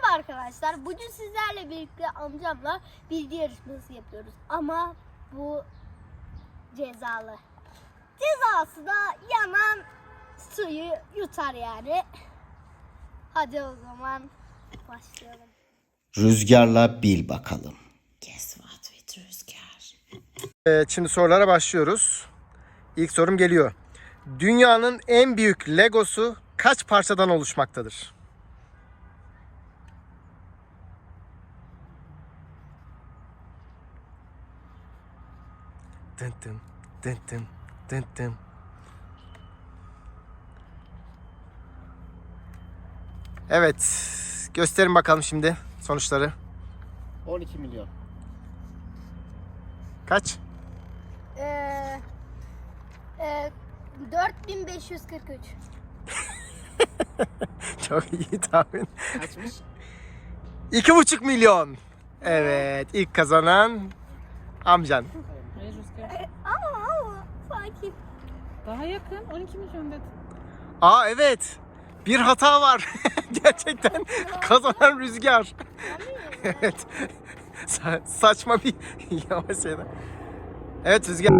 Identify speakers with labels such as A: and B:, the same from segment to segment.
A: Merhaba arkadaşlar. Bugün sizlerle birlikte amcamla bilgi yarışması yapıyoruz. Ama bu cezalı. Cezası da yanan suyu yutar yani. Hadi o zaman başlayalım.
B: Rüzgarla bil bakalım.
C: Guess what with Rüzgar?
D: Evet, şimdi sorulara başlıyoruz. İlk sorum geliyor. Dünyanın en büyük Legosu kaç parçadan oluşmaktadır? Dın dın dın dın dın dın. Evet, gösterin bakalım şimdi sonuçları.
B: 12 milyon.
D: Kaç?
A: 4543.
D: Çok iyi tahmin.
B: Kaçmış?
D: 2,5 milyon. Evet, ilk kazanan amcan.
C: Hayır Rüzgar.
A: Ama sanki.
C: Daha yakın 12 milyon dedi.
D: Aa evet. Bir hata var. Gerçekten kazanan Rüzgar. Evet. Saçma bir yavaş şeyler. Evet Rüzgar.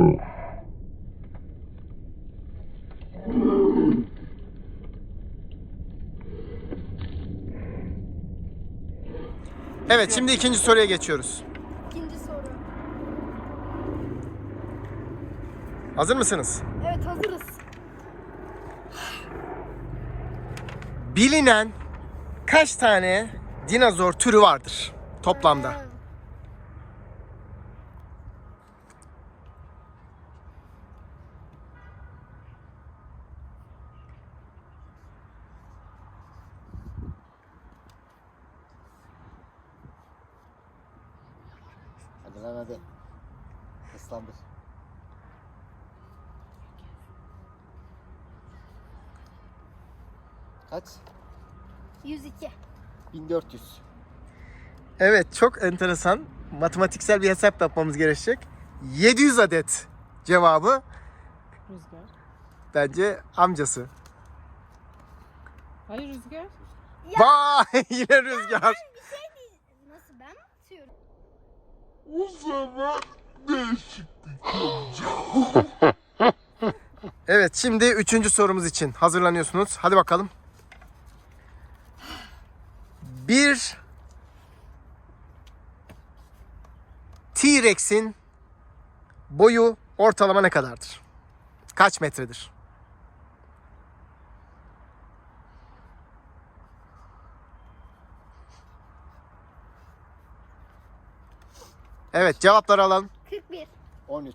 D: Evet, şimdi ikinci soruya geçiyoruz.
A: İkinci soru.
D: Hazır mısınız?
A: Evet, hazırız.
D: Bilinen kaç tane dinozor türü vardır toplamda?
B: Hadi lan hadi. Islandır. Kaç?
A: 102.
B: 1400.
D: Evet, çok enteresan. Matematiksel bir hesap yapmamız gerekecek. 700 adet cevabı
C: Rüzgar.
D: bence amcası.
C: Hayır Rüzgar.
D: Vay yine Rüzgar.
A: Bir şey değil. Nasıl, ben mi atıyorum?
D: Evet, şimdi üçüncü sorumuz için hazırlanıyorsunuz. Hadi bakalım. Bir T-Rex'in boyu ortalama ne kadardır? Kaç metredir? Evet, cevapları alalım.
A: 41.
B: 13.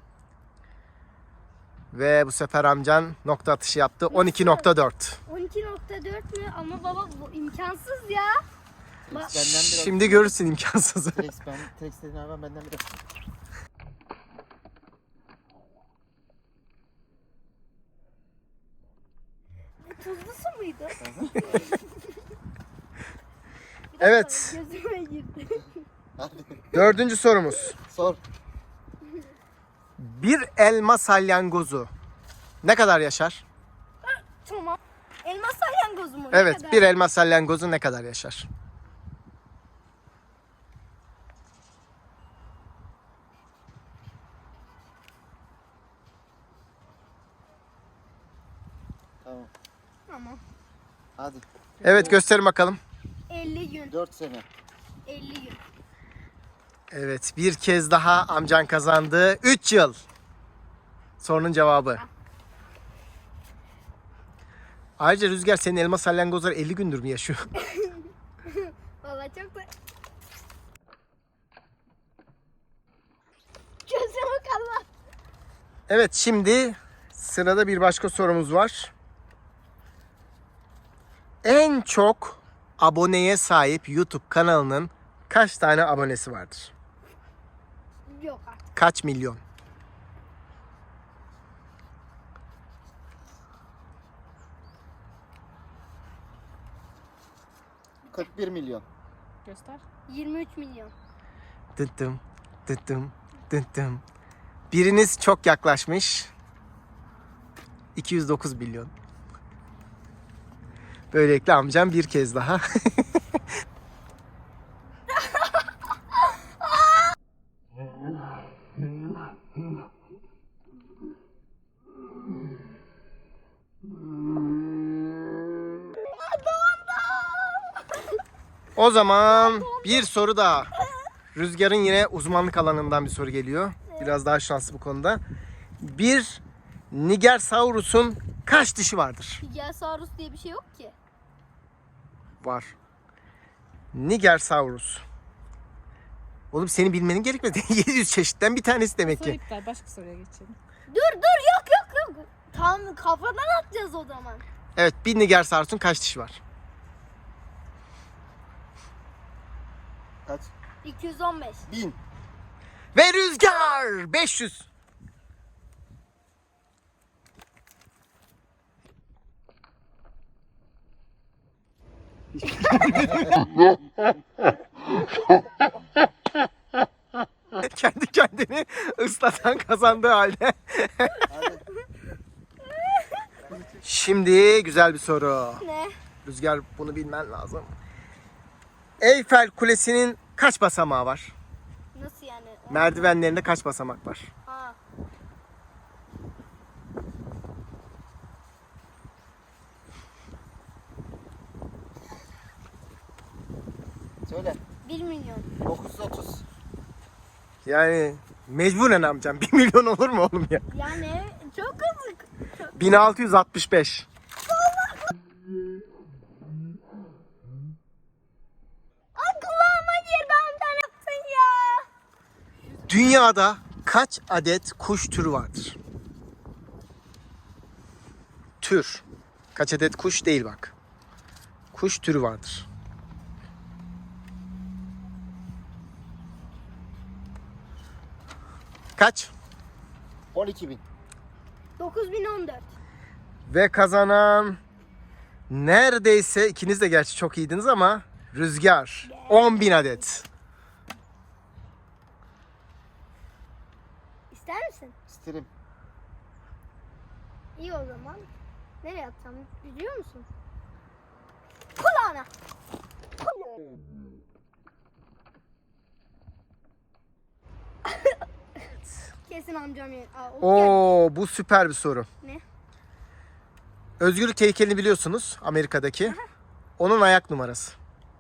D: Ve bu sefer amcan nokta atışı yaptı. 12,4.
A: 12,4 mü? Ama baba bu imkansız ya.
B: Benden biraz.
D: Şimdi görürsün imkansızı.
B: Trex dediğin hayvan benden biraz.
A: Tuzlu su muydu?
D: Evet,
A: Gözüme girdi.
B: Hadi.
D: dördüncü sorumuz.
B: Sor.
D: Bir elma salyangozu ne kadar yaşar?
A: Tamam. Elma salyangozu mu? Ne
D: Evet,
A: kadar?
D: bir elma salyangozu ne kadar yaşar?
B: Tamam.
A: Tamam.
B: Hadi.
D: Evet, gösterin bakalım.
A: 50 gün.
B: 4 sene.
A: 50 gün.
D: Evet, bir kez daha amcan kazandı. 3 yıl. Sorunun cevabı. Ayrıca Rüzgar, senin elma salyangozlar 50 gündür mü yaşıyor?
A: Vallahi çok da... Gözüme kalma.
D: Evet, şimdi sırada bir başka sorumuz var. En çok aboneye sahip YouTube kanalının kaç tane abonesi vardır?
A: Yok artık.
D: Kaç milyon?
B: — 41 milyon.
C: Göster.
A: 23 milyon.
D: Dıttım, dıttım, dıttım. Biriniz çok yaklaşmış. 209 milyon. Böylelikle amcam bir kez daha O zaman bir soru daha. Rüzgar'ın yine uzmanlık alanından bir soru geliyor. Biraz daha şanslı bu konuda. Bir Nigersaurus'un kaç dişi vardır?
A: Nigersaurus diye bir şey yok ki.
D: Var. Nigersaurus. Oğlum senin bilmenin gerekmedi. 700 çeşitten bir tanesi demek
C: Soru
D: ki.
C: iptal. Başka soruya geçelim.
A: Dur yok. Tam kafadan atacağız o zaman.
D: Evet, bir Nigersaurus'un kaç dişi var?
B: Kaç?
A: 215.
B: 1000.
D: Ve Rüzgar 500. Kendi kendini ıslatan kazandığı halde.
B: Hadi.
D: Şimdi güzel bir soru.
A: Ne?
D: Rüzgar, bunu bilmen lazım. Eyfel Kulesi'nin kaç basamağı var?
A: Nasıl yani?
D: Merdivenlerinde kaç basamak var?
A: Ha.
B: Söyle.
A: 1 milyon.
B: 930.
D: Yani mecburen amcam. 1 milyon olur mu oğlum ya?
A: Yani çok hızlı.
D: 1665.
A: Aklıma girdi amcan yaptın ya.
D: Dünyada kaç adet kuş türü vardır? Tür. Kaç adet kuş değil bak. Kuş türü vardır. Kaç?
B: 12.000.
A: 9014.
D: Ve kazanan neredeyse, ikiniz de gerçi çok iyiydiniz ama Rüzgar. 10.000 adet.
A: İster misin?
B: İsterim.
A: İyi o zaman. Nereye atacağım biliyor musun? Kulağına. Kesin amcam yer. Aa, o geldi.
D: Oo, bu süper bir soru.
A: Ne?
D: Özgürlük heykelini biliyorsunuz, Amerika'daki. Onun ayak numarası.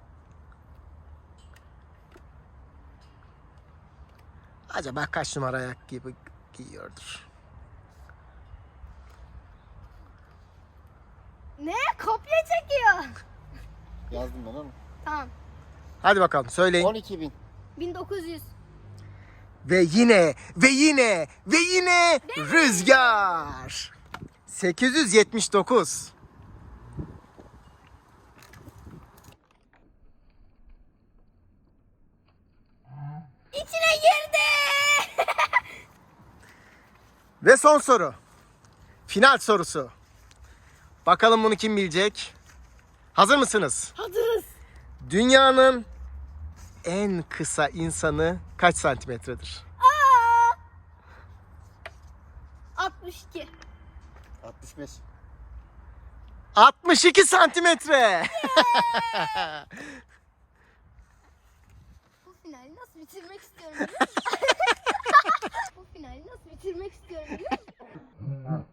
D: Acaba kaç numara ayak gibi giyiyordur?
A: Ne? Kopya çekiyor.
B: Yazdım ben onu.
A: Tamam.
D: Hadi bakalım söyleyin.
B: 12.000.
A: 1900.
D: Ve yine Rüzgar. 879.
A: İçine girdi.
D: Ve son soru. Final sorusu. Bakalım bunu kim bilecek? Hazır mısınız?
A: Hazırız.
D: Dünyanın en kısa insanı kaç santimetredir?
A: 62.
B: 65.
D: 62 santimetre.
A: Bu finali nasıl bitirmek istiyorum biliyor musun? Bu finali nasıl bitirmek istiyorum biliyor musun?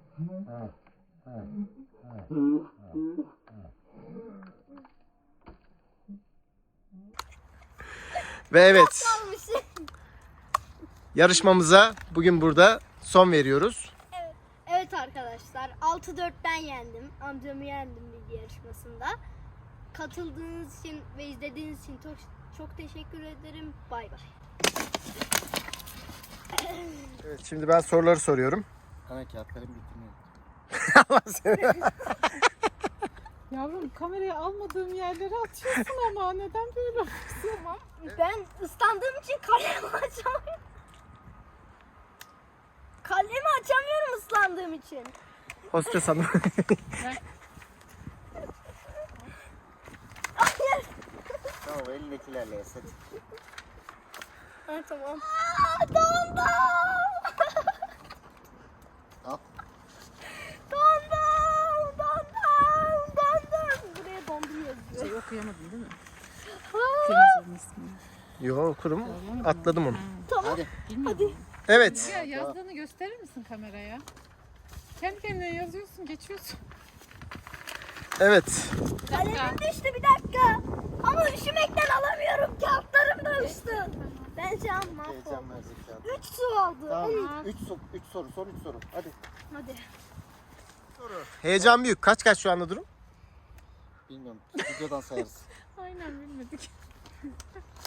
D: Ve evet,
A: Kalmışım.
D: yarışmamıza bugün burada son veriyoruz.
A: Evet arkadaşlar 6-4'ten yendim. Amcamı yendim bilgi yarışmasında. Katıldığınız için ve izlediğiniz için çok, çok teşekkür ederim. Bay bay.
D: Evet, şimdi ben soruları soruyorum.
B: Ana kağıtlarım bitmiyor.
D: Allah seni.
C: Yavrum, kamerayı almadığım yerlere atıyorsun ama neden böyle yapıyorsun?
A: Tamam. Ben ıslandığım için kalemi açamıyorum. Kalemi açamıyorum ıslandığım için.
D: Hostes hanım.
A: Hayır.
B: Tamam elindekilerle yes hadi.
A: Ha, tamam. Dondum.
B: Al.
A: Dondum. Buraya dondum yazıyor.
C: Şey okuyamadın değil mi?
A: Ha,
C: Dinozorun ismini.
D: Yo, okurum. Atladım onu.
A: tamam.
B: Hadi.
C: Bilmiyorum.
D: Evet.
C: Ya yazdığını gösterir misin kameraya? Kendi kendine yazıyorsun, geçiyorsun.
D: Evet.
A: Kalemim düştü bir dakika. Ama üşümekten kaldı.
B: Tamam.
A: Onu-
B: 3 soru. Son 3 soru. Hadi.
A: Hadi.
D: Heyecan büyük. Kaç şu anda durum?
B: Bilmiyorum. Videodan sayarız.
C: Aynen bilmedik.